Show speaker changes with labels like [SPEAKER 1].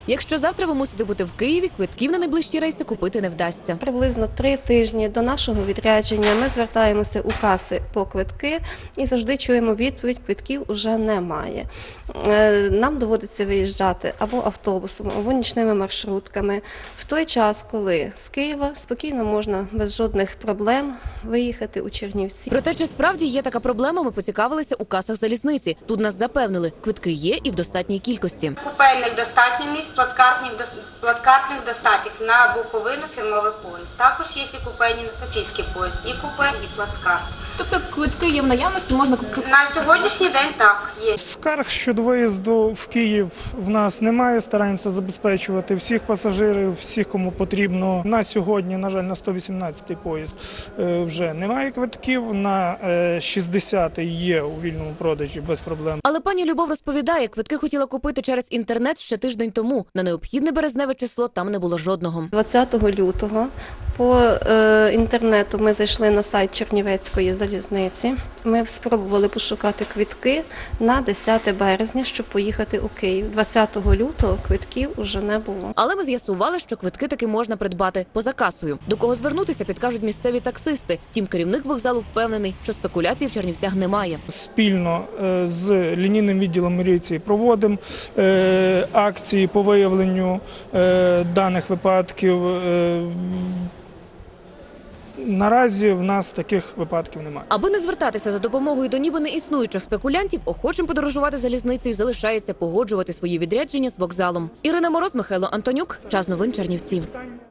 [SPEAKER 1] Якщо завтра ви мусите бути в Києві, квитків на найближчі рейси купити не вдасться.
[SPEAKER 2] Приблизно 3 тижні до нашого відрядження ми звертаємося у каси по квитки і завжди чуємо відповідь: квитків уже немає. Нам доводиться виїжджати або автобусом, або нічними маршрутками. В той час, коли з Києва спокійно можна без жодних проблем виїхати у Чернівці.
[SPEAKER 1] Проте, чи справді є така проблема, ми поцікавилися у касах залізниці. Тут нас запевнили, квитки є і в достатній кількості.
[SPEAKER 3] Купейних достатньо місць, плацкартних достатньо на Буковину фірмовий поїзд. Також є і купейні на Софійський поїзд, і купе, і плацкарт.
[SPEAKER 4] Тобто квитки є в наявності, можна купити?
[SPEAKER 3] На сьогоднішній день так, є.
[SPEAKER 5] Скарг щодо виїзду в Київ в нас немає, стараємося забезпечувати всіх пасажирів, всіх, кому потрібно. На сьогодні, на жаль, на 118-й поїзд вже немає квитків, на 60-й є у вільному продажі без проблем.
[SPEAKER 1] Але пані Любов розповідає, квитки хотіла купити через інтернет ще тиждень тому. На необхідне березневе число там не було жодного.
[SPEAKER 2] 20 лютого по інтернету ми зайшли на сайт Чернівецької залізниці. Ми спробували пошукати квитки на 10 березня, щоб поїхати у Київ. 20 лютого квитків уже не було.
[SPEAKER 1] Але ми з'ясували, що квитки таки можна придбати поза касою. До кого звернутися, підкажуть місцеві таксисти. Втім, керівник вокзалу впевнений, що спекуляцій в Чернівцях немає.
[SPEAKER 5] Спільно з лінійним відділом міліції проводимо акції по виявленню даних випадків. Наразі в нас таких випадків немає.
[SPEAKER 1] Аби не звертатися за допомогою до ніби неіснуючих спекулянтів, охочим подорожувати залізницею залишається погоджувати свої відрядження з вокзалом. Ірина Мороз, Михайло Антонюк. Час новин Чернівці.